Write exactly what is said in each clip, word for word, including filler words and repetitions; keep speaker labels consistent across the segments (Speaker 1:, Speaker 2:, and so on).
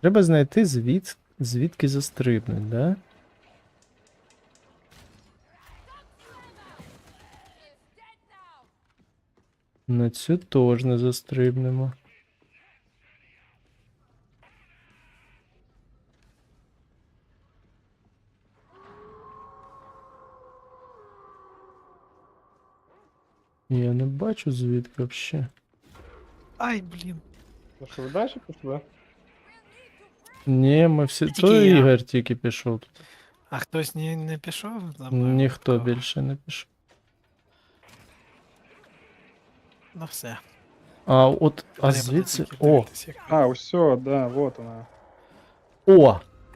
Speaker 1: Треба знайти звід... звідки застрибнуть, да? На цю теж не застрибнемо. Я не бачу звідки взагалі.
Speaker 2: Ай, блін.
Speaker 3: Ну що, ви далі пішли?
Speaker 1: Ні, ми всі.
Speaker 2: Тільки
Speaker 1: То
Speaker 2: я.
Speaker 1: Ігор тільки пішов тут.
Speaker 2: А хтось не, не пішов за мною?
Speaker 1: Ніхто
Speaker 2: випадково?
Speaker 1: більше не пішов.
Speaker 2: Ну все.
Speaker 1: А от, а
Speaker 2: Треба
Speaker 1: звідси.
Speaker 2: тільки
Speaker 1: О!
Speaker 2: дивитись, як-
Speaker 3: А, все, да, вот вона.
Speaker 1: О!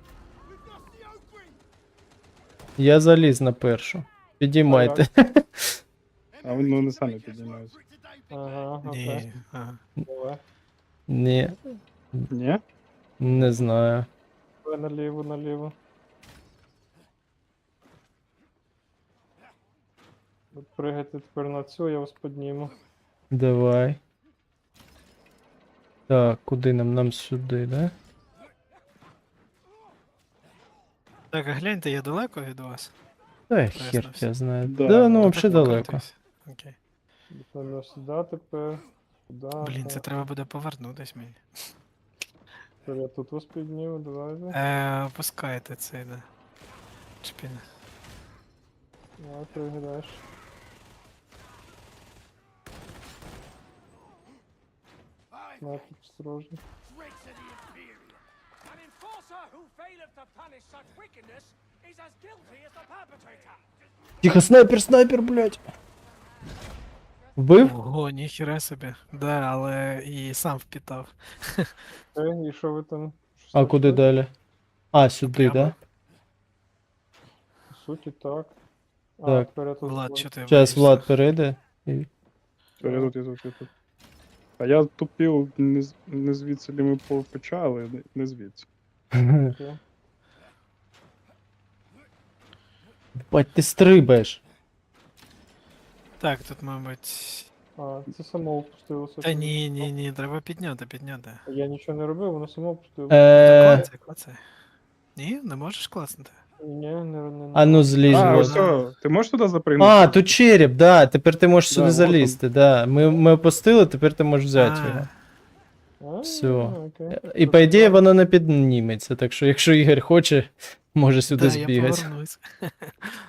Speaker 1: Я заліз на першу. Підіймайте.
Speaker 3: А вони ну, не самі піднімаються.
Speaker 4: Ага, окей.
Speaker 2: Ні. Ага.
Speaker 4: Давай.
Speaker 1: Ні,
Speaker 3: Ні?
Speaker 1: не знаю.
Speaker 4: Давай наліво, наліво. Ви пригайте тепер на цю, я вас підніму.
Speaker 1: Давай. Так, куди нам? Нам сюди, да?
Speaker 2: Так, а гляньте, я далеко від вас?
Speaker 1: Та
Speaker 2: Ясно,
Speaker 1: хер
Speaker 2: все.
Speaker 1: я знаю.
Speaker 3: Да,
Speaker 1: Да, ну
Speaker 3: ну,
Speaker 1: взагалі
Speaker 2: Так,
Speaker 1: далеко.
Speaker 2: покрутись. Окей.
Speaker 4: Напевно, сюди тепер. Сюди.
Speaker 2: Блін, це
Speaker 4: так.
Speaker 2: треба буде повернутись мені.
Speaker 4: Тепер я тут вас підніму, давайте.
Speaker 2: Е, опускайте цей, да. Чпіна.
Speaker 4: Давай, пригадаєш. На, тут осторожно.
Speaker 5: An enforcer who faileth to punish such wickedness is as guilty as the perpetrator.
Speaker 1: Тихо, снайпер, снайпер, блядь. Вбив?
Speaker 2: Ого, ніхіра собі. Да, але і сам впітав.
Speaker 4: Окей, і що ви там? Щось
Speaker 1: А куди
Speaker 4: знайшли?
Speaker 1: далі? А, сюди,
Speaker 2: Прямо.
Speaker 1: да?
Speaker 4: По суті, так. А,
Speaker 1: Так.
Speaker 4: тепер я тут.
Speaker 2: Влад,
Speaker 4: буду.
Speaker 2: що ти
Speaker 1: Зараз
Speaker 2: боїшся?
Speaker 1: Влад перейде. І...
Speaker 3: Все, я тут, я тут, я тут. А я тупив не, з- не звідси, де ми по- почали, не- не звідси.
Speaker 4: Окей.
Speaker 1: Бать, ти стрибаєш.
Speaker 2: Так, тут, мабуть.
Speaker 4: А, це само опустилося.
Speaker 2: Та ні, ні, ні, треба підняти, підняти.
Speaker 4: Я нічого не робив, воно само опустилося.
Speaker 1: Е...
Speaker 2: Клацай, клацай. Ні, не можеш клацнути?
Speaker 4: Ні, не, не,
Speaker 1: А ну злізь,
Speaker 3: А,
Speaker 1: Влад.
Speaker 3: все, ти можеш туди запригнути?
Speaker 1: А, тут череп, да. Тепер ти можеш
Speaker 3: Да,
Speaker 1: сюди
Speaker 3: вот
Speaker 1: залізти, да. Ми, ми опустили, тепер ти можеш взяти
Speaker 2: А.
Speaker 1: його.
Speaker 4: А,
Speaker 1: Все.
Speaker 4: окей.
Speaker 1: І по ідеї воно не підніметься, так що якщо Ігор хоче, може сюди
Speaker 2: Да, я
Speaker 1: збігати.
Speaker 2: повернусь.